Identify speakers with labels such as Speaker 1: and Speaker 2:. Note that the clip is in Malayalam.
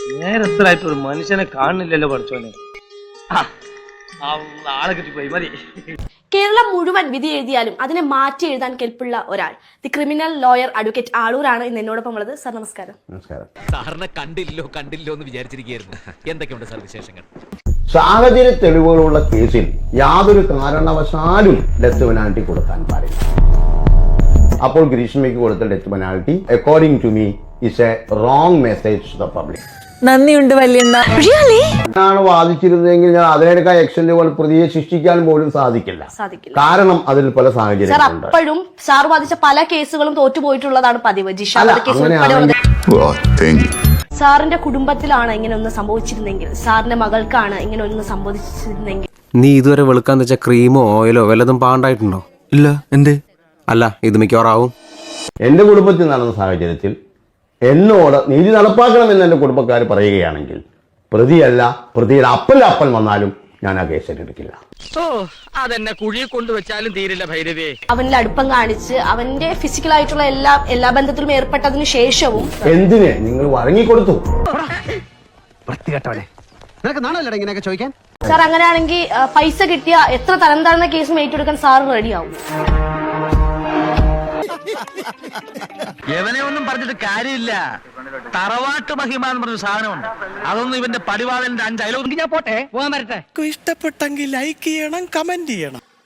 Speaker 1: നേരത്തിലായിട്ട് ഒരു മനുഷ്യനെ കാണുന്നില്ലല്ലോ പഠിച്ചോനെ. ആളെ കിട്ടിപ്പോയി മതി.
Speaker 2: കേരളം മുഴുവൻ വിധി എഴുതിയാലും അതിനെ മാറ്റി എഴുതാൻ കെൽപ്പുള്ള ഒരാൾ, ദി ക്രിമിനൽ ലോയർ അഡ്വക്കേറ്റ് ആളൂരാണ് ഇന്ന് എന്നോടൊപ്പം ഉള്ളത്. സാർ നമസ്കാരം.
Speaker 3: സാറിനെ കണ്ടില്ലോ എന്ന് വിചാരിച്ചിരിക്കുകയായിരുന്നു. എന്തൊക്കെയുണ്ട് സാർ വിശേഷങ്ങൾ?
Speaker 4: സാഹചര്യ തെളിവുകളുള്ള കേസിൽ യാതൊരു കാരണവശാലും ഡെത്ത് പെനാൽറ്റി കൊടുക്കാൻ പാടില്ല. അപ്പോൾ ഗ്രീഷ്മയ്ക്ക് കൊടുത്ത death penalty according to me is a wrong message to the public.
Speaker 5: നന്ദിയുണ്ട് വല്യണ്ണ.
Speaker 4: ആണ് വാദിച്ചിരുന്നതെങ്കിൽ ഞാൻ അതിനേക്കാൾ എക്സ്റ്റൻഡുകൾ പ്രതിയെ ശിക്ഷിക്കാൻ പോലും സാധിക്കില്ല. കാരണം അതിൽ പല സാഹചര്യങ്ങളുണ്ട്.
Speaker 2: അപ്പോഴും സാർ വാദിച്ച പല കേസുകളും തോറ്റുപോയിട്ടുള്ളതാണ് പതിവ്. ജിഷ കേസ് ഉൾപ്പെടെയുള്ളത്. സാറിന്റെ കുടുംബത്തിലാണ് ഇങ്ങനെ ഒന്ന് സംഭവിച്ചിരുന്നെങ്കിൽ, സാറിന്റെ മകൾക്കാണ് ഇങ്ങനെ ഒന്ന് സംഭവിച്ചിരുന്നെങ്കിൽ,
Speaker 6: നീ ഇതുവരെ വെളുക്കാൻ വെച്ച ക്രീമോ ഓയിലോ വല്ലതും പാണ്ടായിട്ടുണ്ടോ? ഇല്ല. എന്തേ? അല്ല, ഇത് മിക്കവാറാവും.
Speaker 4: എന്റെ കുടുംബത്തിൽ നടന്ന സാഹചര്യത്തിൽ എന്നോട് നീതി നടപ്പാക്കണമെന്ന് എന്റെ കുടുംബക്കാർ പറയുകയാണെങ്കിൽ പ്രതിയല്ല, പ്രതിയുടെ അപ്പൻ വന്നാലും ഞാൻ ആ കേസ് ഏറ്റെടുക്കില്ല.
Speaker 3: അതെന്നെ കുഴിയെ കൊണ്ടുവച്ചാലും തീരില്ല ഭൈരവേ.
Speaker 2: അവനിൽ അടുപ്പം കാണിച്ച് അവന്റെ ഫിസിക്കലായിട്ടുള്ള എല്ലാ ബന്ധത്തിലും ഏർപ്പെട്ടതിന് ശേഷവും
Speaker 4: എന്തിന് നിങ്ങൾ വഴങ്ങിക്കൊടുത്തു?
Speaker 2: സാർ അങ്ങനെയാണെങ്കിൽ പൈസ കിട്ടിയ എത്ര തരം താഴ്ന്ന കേസും ഏറ്റെടുക്കാൻ സാർ റെഡിയാവും.
Speaker 1: യവനെ ഒന്നും പറഞ്ഞിട്ട് കാര്യമില്ല. തറവാട്ട് മഹിമ എന്ന് പറഞ്ഞ സാധനമുണ്ട്. അതൊന്നും ഇവന്റെ പടിവാളന്റെ 5 അയലോക്ക്. ഞാൻ പോട്ടെ, പോകാൻ വരട്ടെ.
Speaker 7: ഇഷ്ടപ്പെട്ടെങ്കിൽ ലൈക്ക് ചെയ്യണം, കമന്റ് ചെയ്യണം.